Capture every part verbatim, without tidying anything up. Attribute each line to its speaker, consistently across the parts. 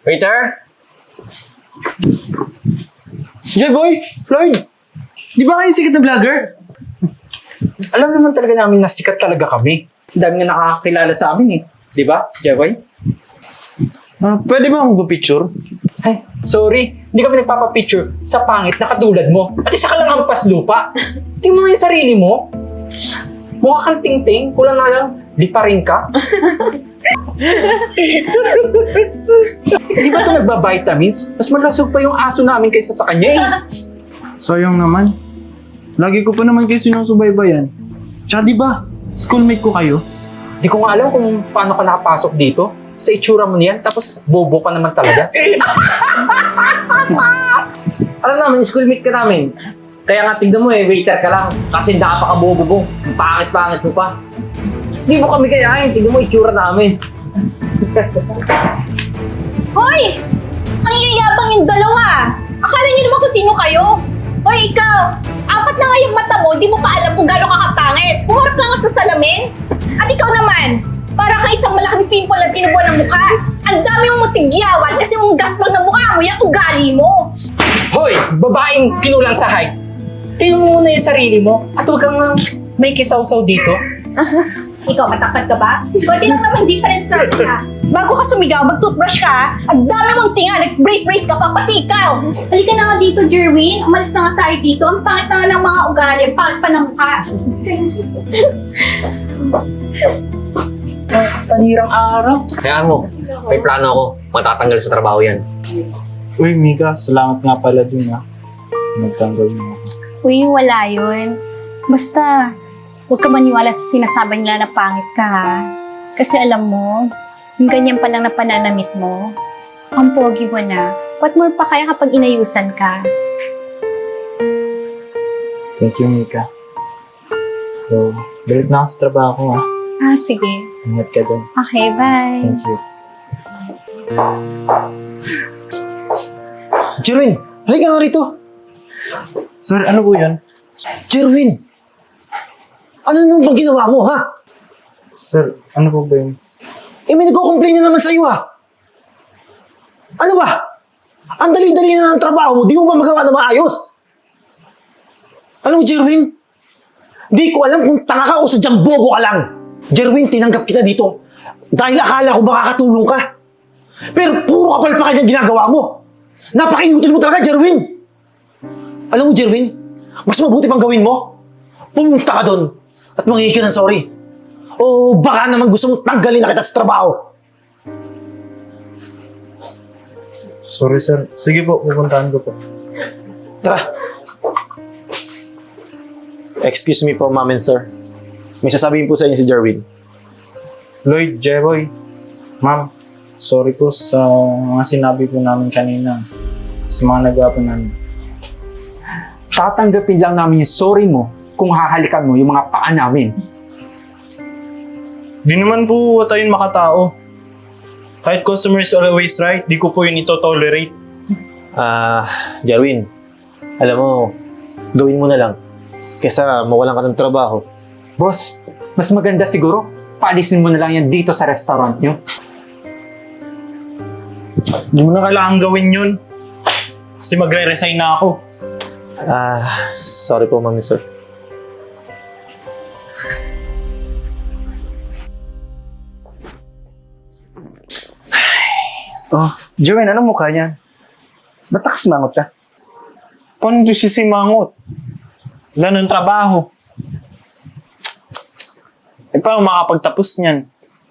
Speaker 1: Waiter?
Speaker 2: J-Boy! Floyd! Di ba kayo sikat na vlogger?
Speaker 3: Alam naman talaga namin na sikat talaga kami. Ang dami nga nakakakilala sa amin eh. Di ba, Jeboy?
Speaker 2: Ah, pwede ba akong picture?
Speaker 3: Ay, sorry. Hindi kami nagpapapicture sa pangit na katulad mo. At isa ka lang hampas lupa. Tingnan mo nga yung sarili mo. Mukha kang ting-ting. Kulang na lang, di pa rin ka. Di ba ito nagba-vitamins? Mas malasog pa yung aso namin kaysa sa kanya eh.
Speaker 2: Sayang naman. Lagi ko pa naman kayo sinusubaybayan. Tsaka di ba, schoolmate ko kayo?
Speaker 3: Di ko nga alam kung paano ka nakapasok dito. Sa itsura mo niyan, tapos bobo ka naman talaga.
Speaker 1: Alam namin, schoolmate ka namin. Kaya nga tignan mo eh, waiter ka lang. Kasi napaka-bobo mo. Ang pangit-pangit mo pa. Hindi mo kami kayain. Tignan mo itsura namin.
Speaker 4: Hoy! Ang yayabang yung dalawa! Akala niyo naman kung sino kayo? Hoy, ikaw! Apat na nga yung mata mo, di mo pa alam kung gano'ng kakapangit. Pumarap ka nga sa salamin. At ikaw naman, para kang isang malaking pimple at tinubuan ng mukha. Ang dami mong mutigyawan kasi mong gaspang na mukha mo, yung ugali mo.
Speaker 3: Hoy, babaeng kinulang sa height. Tingnan mo muna yung sarili mo at huwag kang uh, may kisaw-saw dito.
Speaker 4: Ikaw, matakad ka ba? Kunti lang naman difference sa ka. Bago ka sumigaw, mag-toothbrush ka, ha? Ang dami mong tinga, nag-brace-brace ka pa, pati ikaw! Halika na nga dito, Jerwin. Umalis na nga tayo dito. Ang pangit na nga ng mga ugali, ang pangit pa ng mukha.
Speaker 3: Panirang araw.
Speaker 1: Kaya mo, may plano ako. Matatanggal sa trabaho yan.
Speaker 2: Uy, Mika, salamat nga pala dun ha. Nagtanggal mo.
Speaker 4: Uy, wala yun. Basta, huwag ka maniwala sa sinasabi nila na pangit ka, ha? Kasi alam mo, yung ganyan pa lang na pananamit mo, ang pogi mo na. What more pa kaya kapag inayusan ka?
Speaker 2: Thank you, Mika. So, balik na ako sa trabaho ko ha.
Speaker 4: Ah, sige.
Speaker 2: Ingat ka dun.
Speaker 4: Okay, bye.
Speaker 2: Thank you.
Speaker 5: Jerwin, halika nga rito.
Speaker 2: Sir, ano po yan?
Speaker 5: Jerwin, ano nang bang ginawa mo, ha?
Speaker 2: Sir, ano po ba yun?
Speaker 5: Eh, may nagko-complain na naman sa'yo, ha? Ano ba? Ang dali-dali na ng trabaho mo, di mo ba magawa na maayos? Alam mo, Jerwin, di ko alam kung tanga ka o sadyang bobo ka lang. Jerwin, tinanggap kita dito dahil akala ko makakatulong ka. Pero puro kapal pa kanya ginagawa mo. Napaka-inutil mo talaga, Jerwin. Alam mo, Jerwin, mas mabuti pang gawin mo. Pumunta ka doon at manghingi ka ng sorry. O baka naman gusto mong tanggalin na kita sa trabaho.
Speaker 2: Sorry, sir. Sige po, pupuntahan ko po.
Speaker 5: Tara. Excuse me po, ma'am and sir. May sasabihin po sa inyo si Jerwin.
Speaker 2: Lloyd, Jeboy, ma'am, sorry po sa mga sinabi po namin kanina. Sa mga nagawa po namin.
Speaker 3: Tatanggapin lang namin yung sorry mo kung hahalikan mo yung mga paa namin.
Speaker 2: Di naman po tayo makatao. Kahit customer is always right, di ko po yun ito-tolerate.
Speaker 5: Ah, Jerwin, alam mo, gawin mo na lang. Kesa mawalan ka ng trabaho.
Speaker 3: Boss, mas maganda siguro, paalisin mo na lang yan dito sa restaurant nyo.
Speaker 2: Di mo na kailangan gawin yun. Kasi magre-resign na ako.
Speaker 5: Ah, sorry po, ma'am and sir.
Speaker 3: Oh, Jerwin, anong mukha niyan? Ba't nakasimangot ka?
Speaker 2: Paano ito sisimangot? Wala ng trabaho. Eh, paano makapagtapos niyan?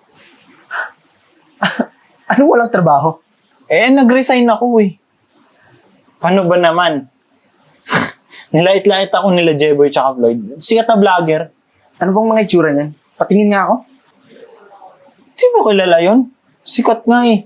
Speaker 3: Anong walang trabaho?
Speaker 2: Eh, nag-resign ako eh. Paano ba naman? Nilait-lait ako nila Jeboy tsaka Floyd. Sikat na vlogger.
Speaker 3: Ano bang mga itsura niyan? Patingin nga ako.
Speaker 2: Di mo kilala yun? Sikat nga eh.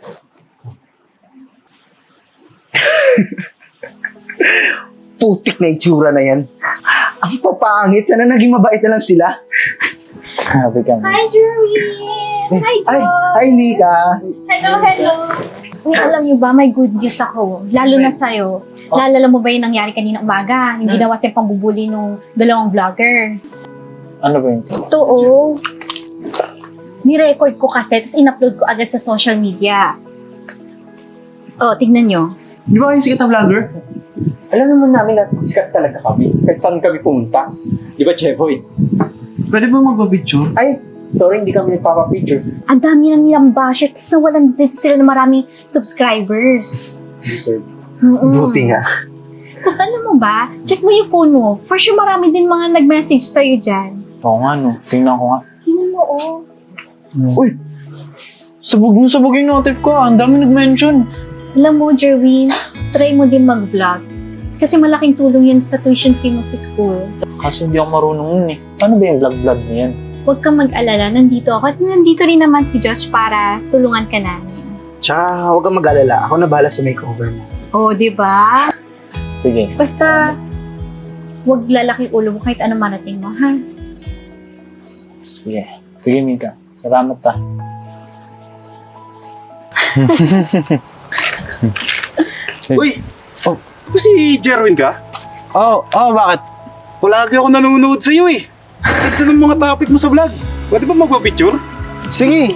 Speaker 3: Putik na itsura na yan. Ang papangit. Sana naging mabait na lang sila.
Speaker 2: Sabi ka nga.
Speaker 4: Hi, Jerwin! Hi,
Speaker 3: Ay,
Speaker 4: Joy!
Speaker 3: ay, Nika.
Speaker 4: Hello, hello! Uy, alam niyo ba, may good news ako. Lalo na sa'yo. Lalala mo ba yung nangyari kanina umaga? Yung ginawa siyang pambubuli nung dalawang vlogger.
Speaker 2: Ano ba yun?
Speaker 4: Totoo. Ni-record ko kasi, tapos in-upload ko agad sa social media. Oh, tignan nyo.
Speaker 5: Di ba kayo sikat na vlogger?
Speaker 3: Alam naman namin na sikat talaga kami. Kahit saan kami pumunta. Di ba, Jeboy?
Speaker 5: Pwede ba magpa-picture?
Speaker 3: Ay, sorry, hindi kami nagpapapicture.
Speaker 4: Ang dami na nilang basher, tapos nawalan din sila ng maraming subscribers.
Speaker 3: Deserve.
Speaker 4: Mm-mm.
Speaker 5: Buti nga.
Speaker 4: Tapos alam mo ba, check mo yung phone mo. For sure marami din mga nag-message sa'yo dyan.
Speaker 2: Oo nga, no. Tingnan ko nga.
Speaker 4: Tingnan mo, oh.
Speaker 2: Uy! Sabog na sabog yung notif ko. Ang dami nag-mention.
Speaker 4: Alam mo, Jerwin, try mo din mag-vlog. Kasi malaking tulong yun sa tuition fee mo sa school.
Speaker 2: Kaso hindi ako marunong nun eh. Paano ba yung vlog-vlog na yan?
Speaker 4: Huwag kang mag-alala, nandito ako. At nandito rin naman si Josh para tulungan ka namin.
Speaker 5: Tsaka huwag kang mag-alala. Ako na bahala sa makeover mo.
Speaker 4: Oh, di ba?
Speaker 2: Sige.
Speaker 4: Basta, huwag lalaki ulo mo kahit ano marating mo, ha?
Speaker 2: Sige. Sige, Mika. Salamat ta.
Speaker 6: Uy! Oh, si Jerwin ka?
Speaker 2: Oh, oh, bakit?
Speaker 6: Palagi ako nanonood sa iyo eh. Ito ng mga topic mo sa vlog. Pwede ba magpa-picture?
Speaker 2: Sige.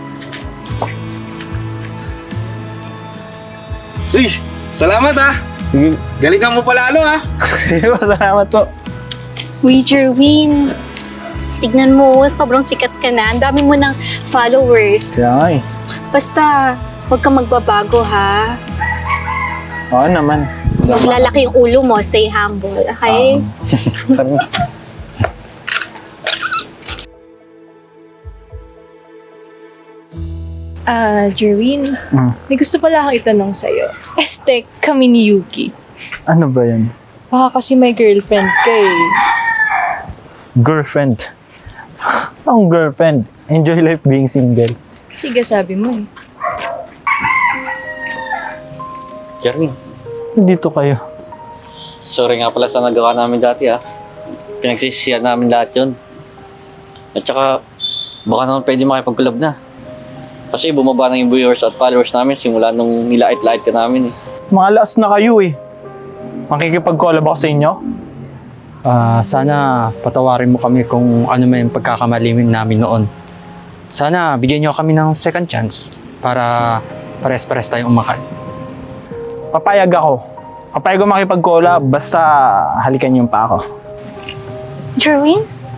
Speaker 6: Uy! Salamat ah!
Speaker 2: Sige.
Speaker 6: Galingan mo palalo ah!
Speaker 2: Sige, salamat to.
Speaker 4: Uy, Jerwin. Tignan mo, sobrang sikat ka na. Ang dami mo ng followers.
Speaker 2: Kaya nga eh.
Speaker 4: Basta, huwag kang magbabago, ha?
Speaker 2: Oo naman.
Speaker 4: Huwag lalaki yung ulo mo. Stay humble, okay?
Speaker 2: Tara.
Speaker 7: Ah, Jerwin,
Speaker 2: Mm.
Speaker 7: may gusto pala akong itanong sa'yo. Este, kami ni Yuki.
Speaker 2: Ano ba yan?
Speaker 7: Baka kasi may girlfriend ka eh.
Speaker 2: Girlfriend. Ang girlfriend. Enjoy life being single.
Speaker 7: Sige, sabi mo eh.
Speaker 1: Jeremy,
Speaker 2: Dito kayo.
Speaker 1: sorry nga pala sa nagawa namin dati ah. Pinagsisisihan namin lahat yun. At saka, baka naman pwede makipag-collab na. Kasi bumaba na yung viewers at followers namin simula nung nilait-lait ka namin eh.
Speaker 2: Mga last na kayo eh. Makikipag-collab ako sa inyo?
Speaker 3: Ah, sana patawarin mo kami kung ano man yung pagkakamali namin noon. Sana bigyan niyo kami ng second chance para pares-pares tayong umakan.
Speaker 2: Papayag ako. Papayag ako makipag-collab basta halikan yung pa ako.
Speaker 4: Jerwin?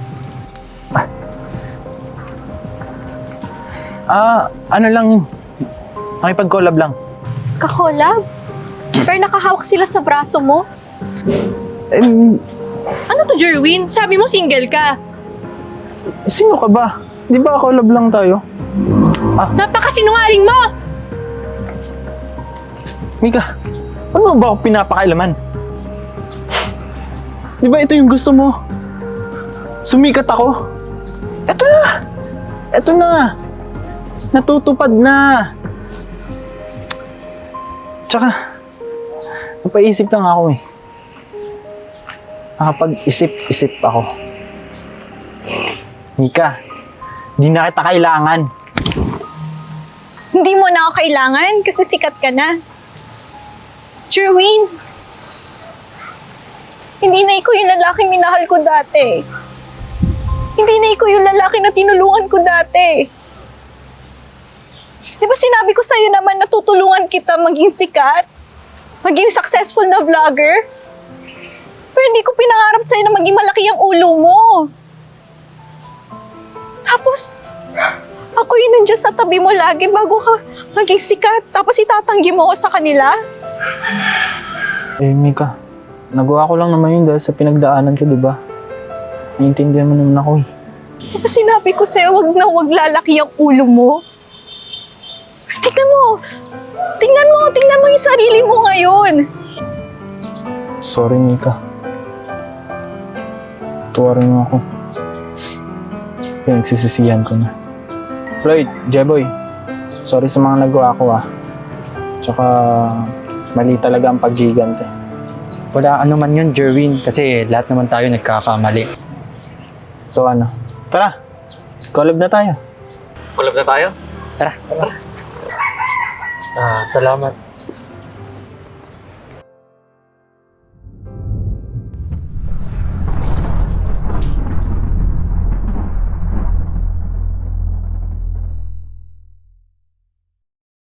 Speaker 2: Ah, ano lang, makipag-collab lang.
Speaker 4: Kakolab? Pero nakahawak sila sa braso mo?
Speaker 2: Eh,
Speaker 7: Ano to, Jerwin? Sabi mo single ka.
Speaker 2: sino ka ba? Di ba collab lang tayo?
Speaker 7: Napakasinungaling mo!
Speaker 2: Mika, ano ba ako pinapakailaman? Di ba ito yung gusto mo? Sumikat ako? Eto na! Eto na! Natutupad na! Tsaka, napaisip lang ako eh. Nakapag-isip-isip ako. Mika, di na kita kailangan.
Speaker 4: Hindi mo na ako kailangan kasi sikat ka na. Jerwin, hindi na ikaw yung lalaking minahal ko dati. Hindi na ikaw yung lalaki na tinulungan ko dati. Di ba sinabi ko sa'yo naman na tutulungan kita maging sikat? Maging successful na vlogger? Pero hindi ko pinangarap sa'yo na maging malaki ang ulo mo. Tapos, ako yung nandyan sa tabi mo lagi bago ka maging sikat. Tapos itatanggi mo ako sa kanila.
Speaker 2: Eh, Mika, nagawa ko lang naman yun dahil sa pinagdaanan ko, di ba? Naiintindihan mo naman ako eh.
Speaker 4: Tapos sinabi ko sa'yo, wag na wag lalaki ang ulo mo. Tingnan mo. Tingnan mo. Tingnan mo yung sarili mo ngayon.
Speaker 2: Sorry, Mika. Tuwarin mo ako. Pinagsisisihan ko na. Floyd, Jeboy, sorry sa mga nagawa ko ah. Tsaka, mali talaga ang paggigante.
Speaker 3: Wala ano man yun, Jerwin, kasi lahat naman tayo nagkakamali.
Speaker 2: So ano, tara, collab na tayo.
Speaker 1: Collab na tayo?
Speaker 3: Tara, tara. Ah, salamat.